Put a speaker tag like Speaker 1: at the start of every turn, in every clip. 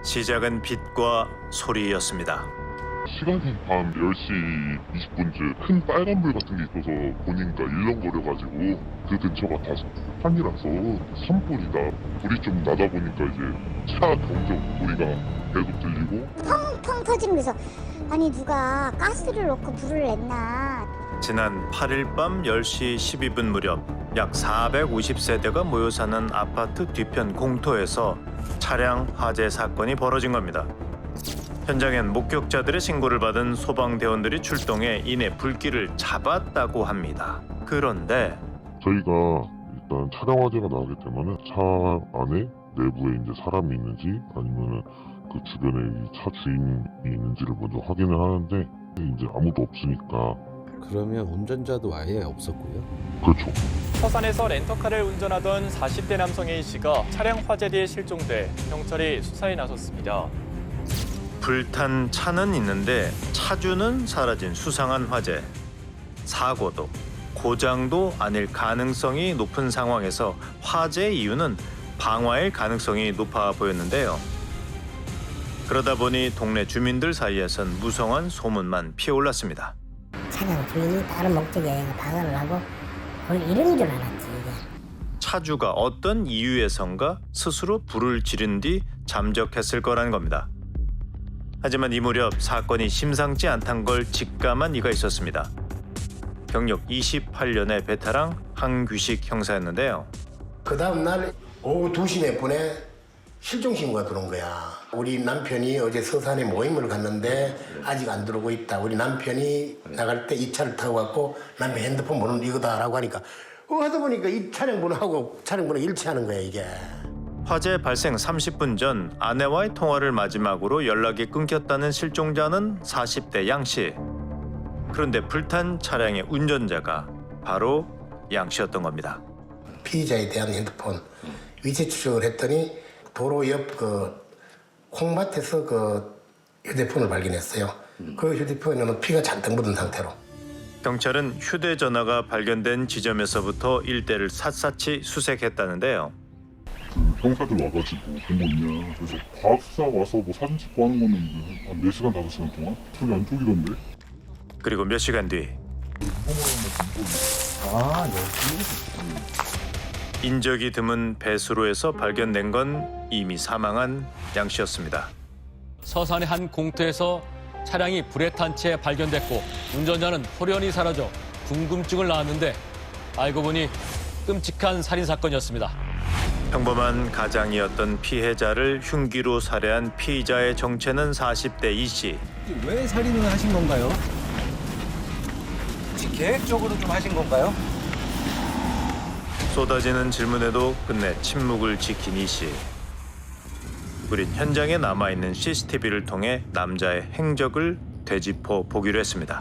Speaker 1: 시작은 빛과 소리였습니다.
Speaker 2: 시간이 밤 10시 20분쯤 큰 빨간불 같은 게 있어서 보니까 일렁거려가지고 그 근처가 다 산이라서 산불이다. 불이 좀 나다 보니까 이제 차 경적 소리가 계속 들리고
Speaker 3: 펑펑 터지면서 아니 누가 가스를 넣고 불을 냈나.
Speaker 1: 지난 8일 밤 10시 12분 무렵 약 450세대가 모여 사는 아파트 뒤편 공터에서 차량 화재 사건이 벌어진 겁니다. 현장엔 목격자들의 신고를 받은 소방대원들이 출동해 이내 불길을 잡았다고 합니다. 그런데
Speaker 2: 저희가 일단 차량 화재가 나기 때문에 차 안에 내부에 이제 사람이 있는지 아니면은 그 주변에 이 차 주인이 있는지를 먼저 확인을 하는데 이제 아무도 없으니까.
Speaker 4: 그러면 운전자도 아예 없었고요?
Speaker 2: 그렇죠.
Speaker 5: 서산에서 렌터카를 운전하던 40대 남성 A씨가 차량 화재 뒤에 실종돼 경찰이 수사에 나섰습니다.
Speaker 1: 불탄 차는 있는데 차주는 사라진 수상한 화재. 사고도 고장도 아닐 가능성이 높은 상황에서 화재의 이유는 방화일 가능성이 높아 보였는데요. 그러다 보니 동네 주민들 사이에선 무성한 소문만 피어올랐습니다.
Speaker 3: 차량 주인이 다른 목적에 방어를 하고 이런 줄 알았지 이게.
Speaker 1: 차주가 어떤 이유에선가 스스로 불을 지른 뒤 잠적했을 거라는 겁니다. 하지만 이 무렵 사건이 심상치 않단 걸 직감한 이가 있었습니다. 경력 28년의 베테랑 한규식 형사였는데요.
Speaker 6: 그 다음 날 오후 2시 몇 분에 실종 신고가 들어온 거야. 우리 남편이 어제 서산에 모임을 갔는데 아직 안 들어오고 있다. 우리 남편이 나갈 때 이 차를 타고 갔고 남편 핸드폰 번호는 이거다라고 하니까 하다 보니까 이 차량 번호하고 차량 번호 일치하는 거야 이게.
Speaker 1: 화재 발생 30분 전 아내와의 통화를 마지막으로 연락이 끊겼다는 실종자는 40대 양 씨. 그런데 불탄 차량의 운전자가 바로 양 씨였던 겁니다.
Speaker 6: 피의자에 대한 핸드폰 위치 추적을 했더니 도로 옆 그 콩밭에서 그 휴대폰을 발견했어요. 그 휴대폰에는 피가 잔뜩 묻은 상태로.
Speaker 1: 경찰은 휴대전화가 발견된 지점에서부터 일대를 샅샅이 수색했다는데요.
Speaker 2: 그 형사들 와가지고 본 거 있냐. 그래서 과학수사 와서 뭐 사진 찍고 하는 거는 한 4시간, 5시간 동안? 저기 안쪽이던데?
Speaker 1: 그리고 몇 시간 뒤 인적이 드문 배수로에서 발견된 건 이미 사망한 양 씨였습니다.
Speaker 7: 서산의 한 공터에서 차량이 불에 탄 채 발견됐고 운전자는 홀연히 사라져 궁금증을 낳았는데 알고 보니 끔찍한 살인 사건이었습니다.
Speaker 1: 평범한 가장이었던 피해자를 흉기로 살해한 피의자의 정체는 40대 이 씨.
Speaker 8: 왜 살인을 하신 건가요? 혹시 계획적으로 좀 하신 건가요?
Speaker 1: 쏟아지는 질문에도 끝내 침묵을 지킨 이 씨. 우린 현장에 남아있는 CCTV를 통해 남자의 행적을 되짚어 보기로 했습니다.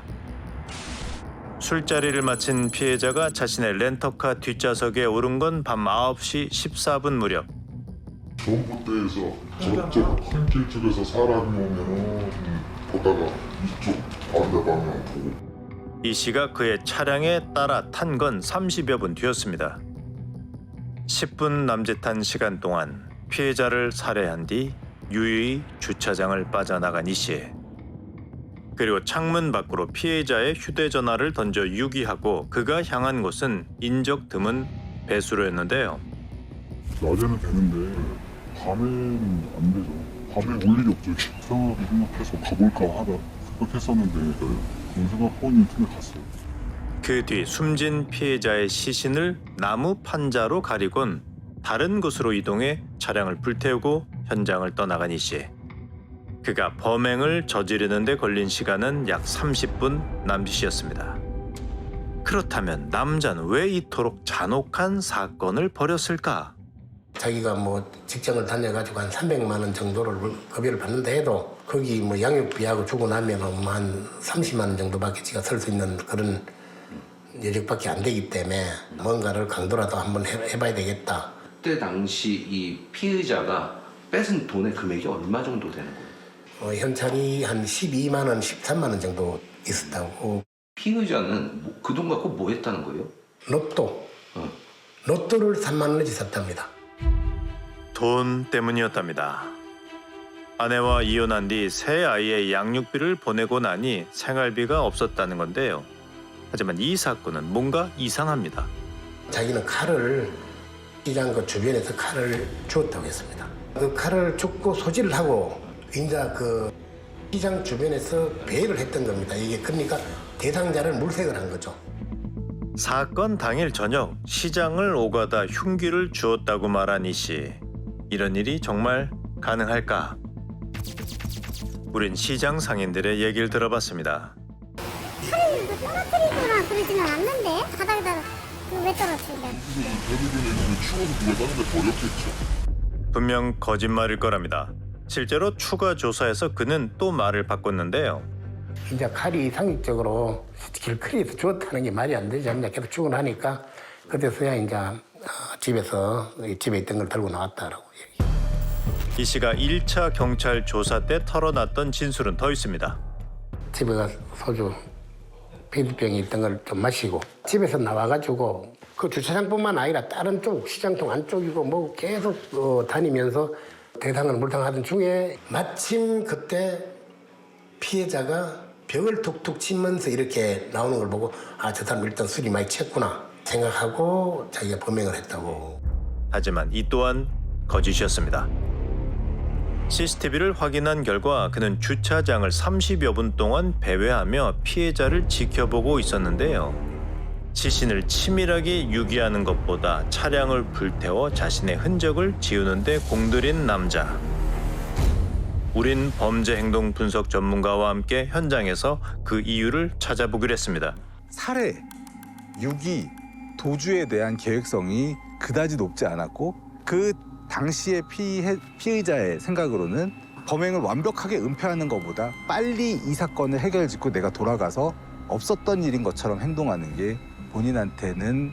Speaker 1: 술자리를 마친 피해자가 자신의 렌터카 뒷좌석에 오른 건 밤 9시 14분 무렵.
Speaker 2: 전봇대에서 저쪽 큰 길 쪽에서 사람이 오면은 보다가 이쪽 반대 방향 보고.
Speaker 1: 이 씨가 그의 차량에 따라 탄 건 30여 분 뒤였습니다. 10분 남짓한 시간 동안 피해자를 살해한 뒤 유유히 주차장을 빠져나간 이 씨. 그리고 창문 밖으로 피해자의 휴대전화를 던져 유기하고 그가 향한 곳은 인적 드문 배수로였는데요.
Speaker 2: 낮에는 되는데 밤에는 안 되죠. 밤에 올 일이 없죠. 이상하게 생각해서 가볼까 하다 생각했었는데 그런 생각하고 있는 틈에 갔어요.
Speaker 1: 그 뒤 숨진 피해자의 시신을 나무 판자로 가리곤 다른 곳으로 이동해 차량을 불태우고 현장을 떠나간 이 씨. 그가 범행을 저지르는 데 걸린 시간은 약 30분 남짓이었습니다. 그렇다면 남자는 왜 이토록 잔혹한 사건을 벌였을까?
Speaker 6: 자기가 뭐 직장을 다녀가지고 한 300만 원 정도를 급여를 받는다 해도 거기 뭐 양육비하고 주고 나면 한 30만 원 정도밖에 지가 쓸 수 있는 그런 여력밖에 안 되기 때문에 뭔가를 강도라도 한번 해봐야 되겠다.
Speaker 9: 그때 당시 이 피의자가 뺏은 돈의 금액이 얼마 정도 되는 거예요?
Speaker 6: 현찰이 한 12만 원, 13만 원 정도 있었다고.
Speaker 9: 피의자는 그 돈 갖고 뭐 했다는 거예요?
Speaker 6: 로또. 로또를 3만 원어치 샀답니다.
Speaker 1: 돈 때문이었답니다. 아내와 이혼한 뒤 새 아이의 양육비를 보내고 나니 생활비가 없었다는 건데요. 하지만 이 사건은 뭔가 이상합니다.
Speaker 6: 자기는 칼을 시장 그 주변에서 칼을 주었다고 했습니다. 그 칼을 줍고 소지를 하고 이제 그 시장 주변에서 배회를 했던 겁니다. 이게 그러니까 대상자를 물색을 한 거죠.
Speaker 1: 사건 당일 저녁 시장을 오가다 흉기를 주었다고 말한 이 씨. 이런 일이 정말 가능할까? 우린 시장 상인들의 얘기를 들어봤습니다.
Speaker 10: 칼을 떨어뜨리거나 그러지는 않는데 바닥에다 왜 떨어뜨린다?
Speaker 2: 대부분은 이제 추워서 누가 다른 데 버렸겠죠.
Speaker 1: 분명 거짓말일 거랍니다. 실제로 추가 조사에서 그는 또 말을 바꿨는데요.
Speaker 6: 이제 칼이 상식적으로 길거리에서 주었다는 게 말이 안 되지 않냐. 계속 출근하니까 그때서야 이제 집에 있던 걸 들고 나왔다라고 얘기해요.
Speaker 1: 이 씨가 1차 경찰 조사 때 털어놨던 진술은 더 있습니다.
Speaker 6: 집에 가서 소주 페인트병이 있던 걸 좀 마시고 집에서 나와가지고 그 주차장뿐만 아니라 다른 쪽 시장통 안쪽이고 뭐 계속 다니면서 대상을 물탕하던 중에 마침 그때 피해자가 벽을 툭툭 치면서 이렇게 나오는 걸 보고 아, 저 사람 일단 술이 많이 취했구나 생각하고 자기가 범행을 했다고.
Speaker 1: 하지만 이 또한 거짓이었습니다. CCTV를 확인한 결과 그는 주차장을 30여 분 동안 배회하며 피해자를 지켜보고 있었는데요. 시신을 치밀하게 유기하는 것보다 차량을 불태워 자신의 흔적을 지우는 데 공들인 남자. 우린 범죄 행동 분석 전문가와 함께 현장에서 그 이유를 찾아보기로 했습니다.
Speaker 11: 살해, 유기, 도주에 대한 계획성이 그다지 높지 않았고 그 당시의 피의자의 생각으로는 범행을 완벽하게 은폐하는 것보다 빨리 이 사건을 해결짓고 내가 돌아가서 없었던 일인 것처럼 행동하는 게 본인한테는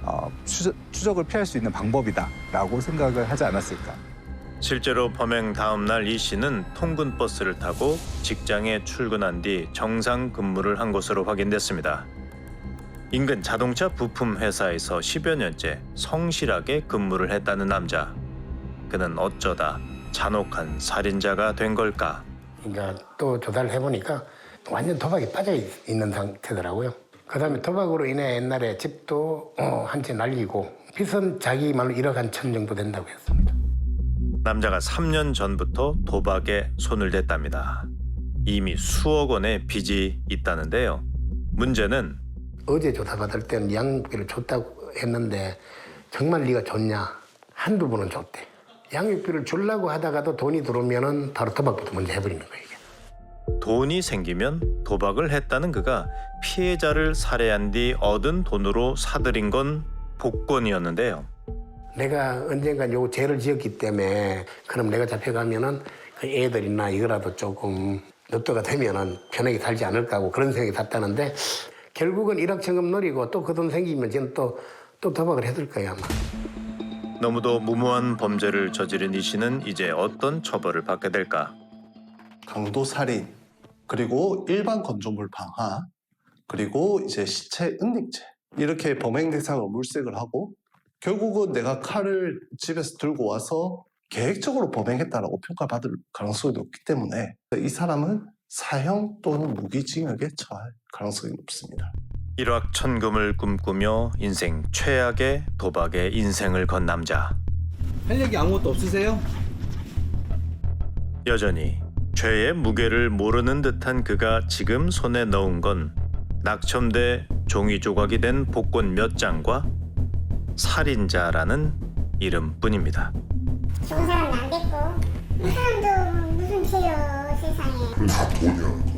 Speaker 11: 추적을 피할 수 있는 방법이다라고 생각을 하지 않았을까.
Speaker 1: 실제로 범행 다음 날 이 씨는 통근 버스를 타고 직장에 출근한 뒤 정상 근무를 한 것으로 확인됐습니다. 인근 자동차 부품 회사에서 10여 년째 성실하게 근무를 했다는 남자. 그는 어쩌다 잔혹한 살인자가 된 걸까?
Speaker 6: 이제 또 조사를 해보니까 완전 도박에 빠져 있는 상태더라고요. 그다음에 도박으로 인해 옛날에 집도 한 채 날리고 빚은 자기 말로 1억 한 천 정도 된다고 했습니다.
Speaker 1: 남자가 3년 전부터 도박에 손을 댔답니다. 이미 수억 원의 빚이 있다는데요. 문제는
Speaker 6: 어제 조사받을 때는 양육비를 줬다고 했는데 정말 네가 줬냐? 한두 번은 줬대. 양육비를 주려고 하다가도 돈이 들어오면은 바로 도박부터 먼저 해버리는 거예요. 이게.
Speaker 1: 돈이 생기면 도박을 했다는 그가 피해자를 살해한 뒤 얻은 돈으로 사들인 건 복권이었는데요.
Speaker 6: 내가 언젠간 요 죄를 지었기 때문에 그럼 내가 잡혀가면은 그 애들이나 이거라도 조금 납도가 되면은 편하게 살지 않을까 하고 그런 생각이 샀다는데 결국은 일확천금 노리고 또 그 돈 생기면 저는 또 도박을 했을 거예요 아마.
Speaker 1: 너무도 무모한 범죄를 저지른 이 씨는 이제 어떤 처벌을 받게 될까?
Speaker 12: 강도 살인, 그리고 일반 건조물 방화, 그리고 이제 시체 은닉죄 이렇게 범행 대상을 물색을 하고 결국은 내가 칼을 집에서 들고 와서 계획적으로 범행했다라고 평가받을 가능성이 높기 때문에 이 사람은 사형 또는 무기징역에 처할 가능성이 높습니다.
Speaker 1: 일확천금을 꿈꾸며 인생 최악의 도박에 인생을 건 남자.
Speaker 8: 할 얘기 아무것도 없으세요?
Speaker 1: 여전히 죄의 무게를 모르는 듯한 그가 지금 손에 넣은 건 낙첨돼 종이 조각이 된 복권 몇 장과 살인자라는 이름뿐입니다.
Speaker 10: 좋은 사람은 안 됐고 이 사람도 무슨 죄요 세상에.
Speaker 2: 그래서 돈이야.